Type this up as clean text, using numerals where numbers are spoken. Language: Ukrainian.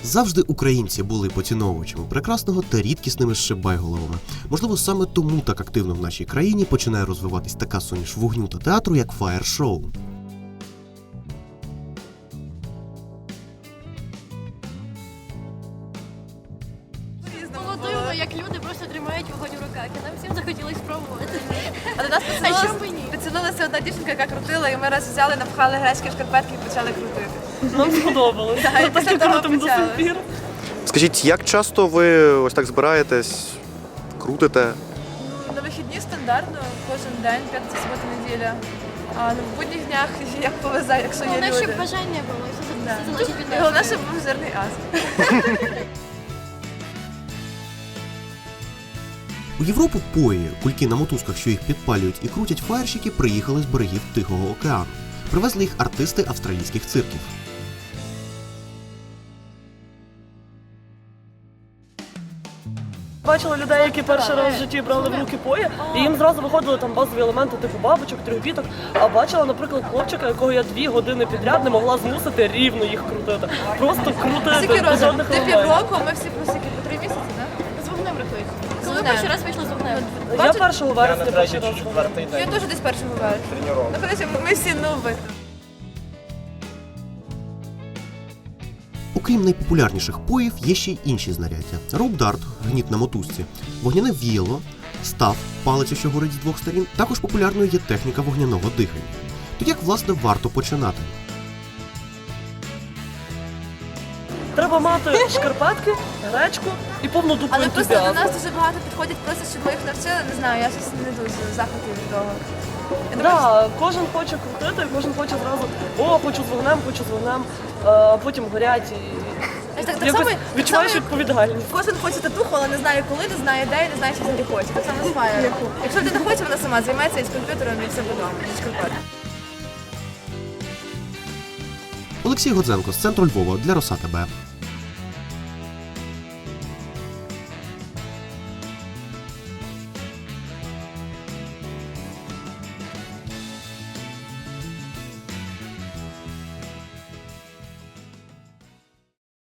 Завжди українці були поціновувачами прекрасного та рідкісними шибайголовами. Можливо, саме тому так активно в нашій країні починає розвиватись така суміш вогню та театру, як фаєр-шоу. Було дивно, як люди просто тримають вогонь у руках, і нам всім захотілося спробувати. А до нас чому ні? підсунулася одна дівчинка, яка крутила, і ми раз взяли, напхали грецькі шкарпетки і почали крутити. Нам сподобалось. Так, і після того Крутим до сих почали. пір. Скажіть, як часто ви ось так збираєтесь, крутите? На вихідні стандартно, кожен день, п'ятниця, субота, неділя. А на будніх днях як повезе, якщо є Головне, щоб люди. бажання було, і все Да. залежить від І нас. головне, щоб був жирний ас. У Європу пої, кульки на мотузках, що їх підпалюють і крутять фаєрщики, приїхали з берегів Тихого океану. Привезли їх артисти австралійських цирків. Бачила людей, які перший раз в житті брали в руки пої, і їм зразу виходили там базові елементи типу бабочок, трьохбіток. А бачила, наприклад, хлопчика, якого я 2 години підряд не могла змусити рівно їх крутити. Просто крутити Скільки без років? жодних Ти елементів. півроку, а ми всі по скільки? По 3 місяці, так? З вогнем рахується. Коли вогнем. перший раз вийшла з вогнем? Я 1 вересня перший раз. Я теж десь першого вересня. Ну, коротше, ми всі нуби. Окрім найпопулярніших поїв, є ще й інші знаряддя. Роуп-дарт, гніт на мотузці, вогняне віяло, став, палиця, що горить з 2 сторін. Також популярною є техніка вогняного дихання. То як, власне, варто починати? Треба мати шкарпетки, гречку і повну дупу Але просто до ентузіазму. нас дуже багато підходять, просто щоб ми їх навчили. Не знаю, я щось не дуже в захваті від того. Я думаю, Да, кожен хоче крутити, кожен хоче зразу, хочу з вогнем, а потім горять і так якось само, відчуваєш як відповідальність. кожен хоче татуху, але не знає коли, не знає де і не знає, що взагалі хоче. Так само з фаєром. Якщо людина хоче, вона сама займеться і з комп'ютером, і все вдома. Олексій Годзенко з центру Львова для Роса ТБ.